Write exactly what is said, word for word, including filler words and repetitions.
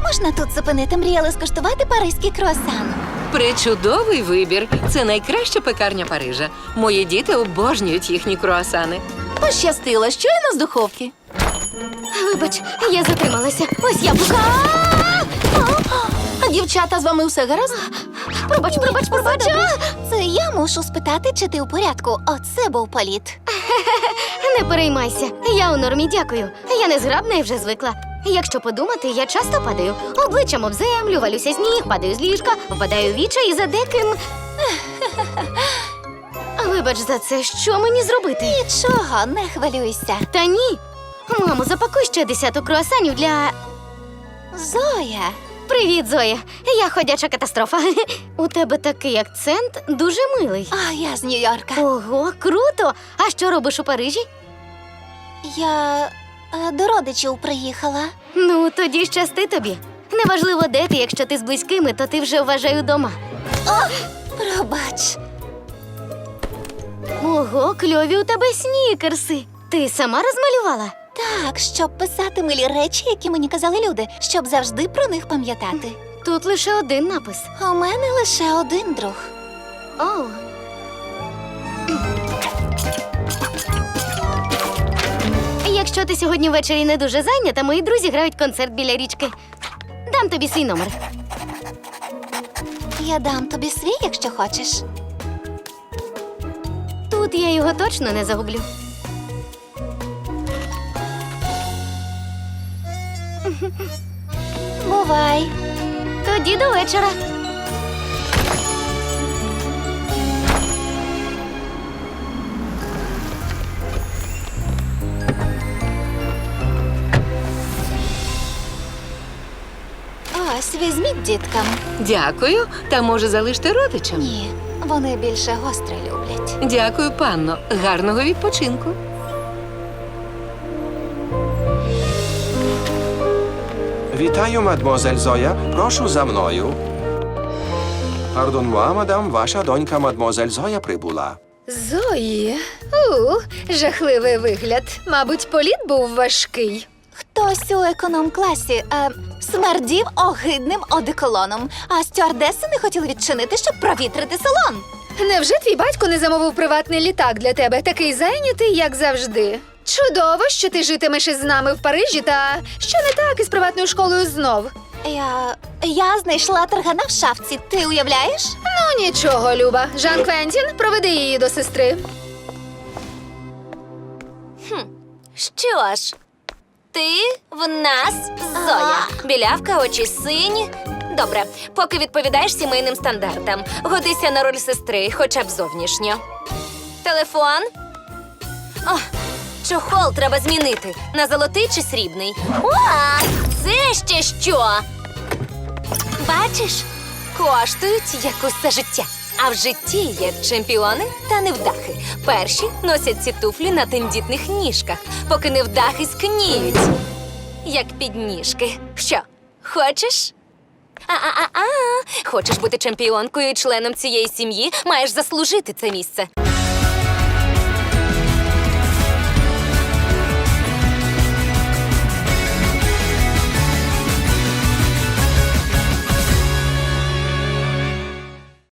можна тут зупинити? Мріяли скуштувати паризький круасан. Причудовий вибір. Це найкраща пекарня Парижа. Мої діти обожнюють їхні круасани. Пощастило, щойно з духовки. Вибач, я затрималася. Ось яблука. А дівчата, з вами все гаразд? Пробач, пробач, пробач. Це я мушу спитати, чи ти у порядку. Оце був політ. Не переймайся. Я у нормі, дякую. Я не зграбна і вже звикла. Якщо подумати, я часто падаю. Обличчям об землю, валюся з ніг, падаю з ліжка, впадаю в віча і за деким... Вибач за це, що мені зробити? Нічого, не хвилюйся. Та ні. Мамо, запакуй ще десяток круасанів для... Зоя. Привіт, Зоя. Я ходяча катастрофа. У тебе такий акцент дуже милий. А я з Нью-Йорка. Ого, круто! А що робиш у Парижі? Я е, до родичів приїхала. Ну, тоді щасти тобі. Неважливо, де ти, якщо ти з близькими, то ти вже вважаю дома. Пробач. Ого, кльові у тебе снікерси. Ти сама розмалювала? Так, щоб писати милі речі, які мені казали люди, щоб завжди про них пам'ятати. Тут лише один напис. У мене лише один друг. О. Якщо ти сьогодні ввечері не дуже зайнята, мої друзі грають концерт біля річки. Дам тобі свій номер. Я дам тобі свій, якщо хочеш. Тут я його точно не загублю. Бувай. Тоді до вечора. Ось, візьміть діткам. Дякую. Та може залиште родичам? Ні, вони більше гостре люблять. Дякую, панно. Гарного відпочинку. Вітаю, мадмозель Зоя. Прошу за мною. Пардон, муа, мадам, ваша донька, мадмозель Зоя, прибула. Зої, у, жахливий вигляд. Мабуть, політ був важкий. Хтось у економ-класі е, смердів огидним одеколоном, а стюардеси не хотіли відчинити, щоб провітрити салон. Невже твій батько не замовив приватний літак для тебе? Такий зайнятий, як завжди. Чудово, що ти житимеш із нами в Парижі, та що не так із приватною школою знов? Я... я знайшла таргана в шафці, ти уявляєш? Ну, нічого, Люба. Жан Квентін, проведи її до сестри. Що ж, ти в нас Зоя. Білявка, очі сині. Добре, поки відповідаєш сімейним стандартам. Годися на роль сестри, хоча б зовнішньо. Телефон. О, чохол треба змінити. На золотий чи срібний? О, це ще що? Бачиш? Коштують як усе життя. А в житті є чемпіони та невдахи. Перші носять ці туфлі на тендітних ніжках, поки невдахи скніють. Як підніжки. Що, хочеш? А-а-а-а! Хочеш бути чемпіонкою і членом цієї сім'ї? Маєш заслужити це місце.